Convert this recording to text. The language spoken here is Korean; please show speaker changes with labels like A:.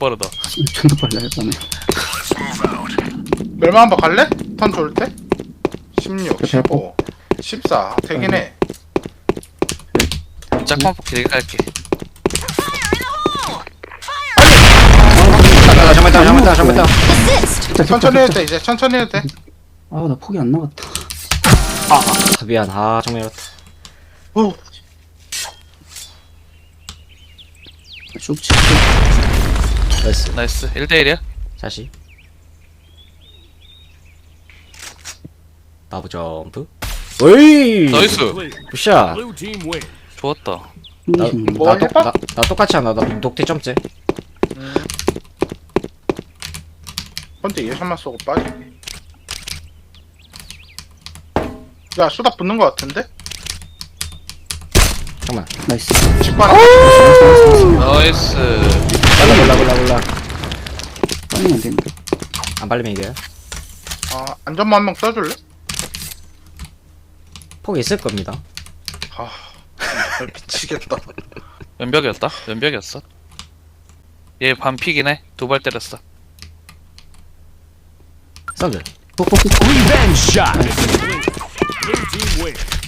A: 빠르다.
B: 존나 빨라 이거는.
C: 멸망 한번 갈래? 턴 좋을 때? 16,
B: 그
C: 15, 14 되긴 해.
A: 짝만 뽑기 되게 깔게.
D: 잠깐만.
B: 진짜
C: 천천히 해도 돼. 이제 천천히 해도 돼.
B: 아나 폭이 안 나갔다.
D: 미안. 정말 이렇다.
C: 오,
B: 쭉 치고.
D: 나이스.
A: 나이스. 1대1이야?
D: 다시. 나부 점프. 오이.
A: 나이스.
D: 굿샷.
E: Blue team win.
A: 좋았다.
C: 뭐 해봐?
D: 나 똑같이 한다. 나 녹티 점째.
C: 번째 예샷만 쏘고 빠질게. 야, 수다 붙는 거 같은데?
D: 잠깐만.
B: 나이스.
C: 직관.
A: 나이스.
D: 몰라.
B: 빨리면 안 되는데.
D: 안 발리면 이겨요.
C: 아, 안전만 한 명 써줄래?
D: 폭 있을 겁니다.
C: 아, 미치겠다.
A: 왼벽이었어. 얘 반피기네. 2발 때렸어.
D: 썬들.
B: 폭폭폭.
E: Revenge shot. Blue team win.